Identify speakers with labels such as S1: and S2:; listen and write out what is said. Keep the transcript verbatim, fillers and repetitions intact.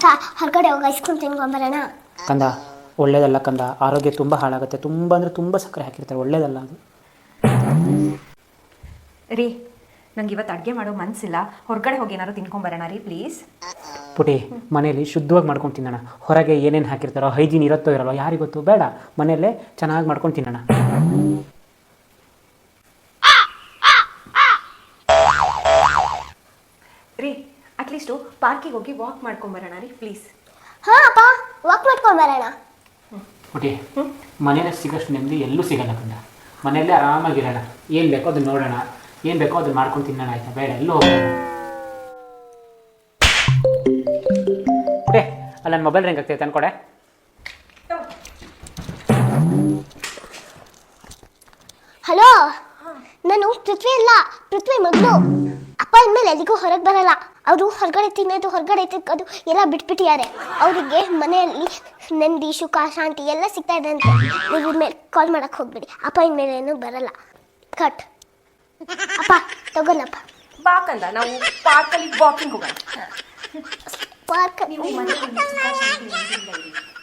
S1: ಹೊರಗಡೆ ಹೋಗಿ ice cream ತಿನ್ಕೊಂಬರೋಣ.
S2: ಕಂದ ಒಳ್ಳೇದಲ್ಲ ಕಂದ, ಆರೋಗ್ಯ ತುಂಬ ಹಾಳಾಗುತ್ತೆ. ತುಂಬ ಅಂದರೆ ತುಂಬ ಸಕ್ಕರೆ ಹಾಕಿರ್ತಾರೆ, ಒಳ್ಳೇದಲ್ಲ ಅದು.
S3: ರೀ ನಂಗೆ ಇವತ್ತು ಅಡುಗೆ ಮಾಡೋ ಮನಸ್ಸಿಲ್ಲ, ಹೊರಗಡೆ ಹೋಗಿ ಏನಾದ್ರು ತಿನ್ಕೊಂಬರೋಣ ರೀ ಪ್ಲೀಸ್.
S2: ಪುಟಿ ಮನೇಲಿ ಶುದ್ಧವಾಗಿ ಮಾಡ್ಕೊಂಡು ತಿನ್ನೋಣ. ಹೊರಗೆ ಏನೇನು ಹಾಕಿರ್ತಾರೋ ಹೈಜೀನ್ ಇರುತ್ತೋ ಇರಲ್ಲ ಯಾರಿಗೊತ್ತು, ಬೇಡ ಮನೆಯಲ್ಲೇ ಚೆನ್ನಾಗಿ ಮಾಡ್ಕೊಂಡು ತಿನ್ನೋಣ.
S3: ರೀ ಅಟ್ಲೀಸ್ಟು ಪಾರ್ಕಿಗೆ ಹೋಗಿ ವಾಕ್ ಮಾಡ್ಕೊಂಬರೋಣ ರೀ ಪ್ಲೀಸ್.
S1: ಹಾಂ ಅಪ್ಪ, ವಾಕ್ ಮಾಡ್ಕೊಂಬರೋಣ.
S2: ಪುಟಿ ಮನೇಲಿ ಸಿಗೋಷ್ಟು ನೆಮ್ಮದಿ ಎಲ್ಲೂ ಸಿಗಲ್ಲ ಕಂದ. ಮನೆಯಲ್ಲೇ ಆರಾಮಾಗಿರೋಣ, ಏನು ಬೇಕೋ ಅದನ್ನ ನೋಡೋಣ, ಏನು ಬೇಕೋ ಅದನ್ನ ಮಾಡ್ಕೊಂಡು ತಿನ್ನೋಣ, ಆಯ್ತಾ? ಬೇಡ ಎಲ್ಲೂ ಹೋಗೋಣ. ಪುಟೆ ಅಲ್ಲ ನನ್ನ ಮೊಬೈಲ್ ರಿಂಗ್ ಆಗ್ತೈತೆ ಅನ್ಕೊಡೆ.
S1: ಹಲೋ, ನಾನು ಪೃಥ್ವಿ ಅಲ್ಲ, ಪೃಥ್ವಿ ಮಗಳು. ಅಪ್ಪ ಇನ್ಮೇಲೆ ಎಲ್ಲಿಗೂ ಹೊರಗೆ ಬರಲ್ಲ. ಅವರು ಹೊರಗಡೆ ತಿನ್ನೋದು ಹೊರಗಡೆ ತಿಕ್ಕೋದು ಎಲ್ಲ ಬಿಟ್ಬಿಟ್ಟಿದ್ದಾರೆ. ಅವರಿಗೆ ಮನೆಯಲ್ಲಿ ನೆಮ್ಮದಿ ಸುಖ ಶಾಂತಿ ಎಲ್ಲ ಸಿಗ್ತಾ ಇದೆ ಅಂತ. ನೀವು ಇನ್ಮೇಲೆ ಕಾಲ್ ಮಾಡಕ್ಕೆ ಹೋಗ್ಬಿಡಿ. ಅಪ್ಪ ಇನ್ಮೇಲೆ ಏನೂ ಬರಲ್ಲ. ಕಟ್. ಅಪ್ಪ ತಗೊಳ್ಳಪ್ಪ.
S3: ಬಾಕಂದ ನಾವು ಪಾರ್ಕಲ್ಲಿ ವಾಕಿಂಗ್ ಹೋಗೋಣ.
S1: ಪಾರ್ಕ್
S3: ನೀವು ಮನೆಯಲ್ಲಿ ಸುಖ ಶಾಂತಿ ನೆಮ್ಮದಿಯಿಂದ ಇರಿ.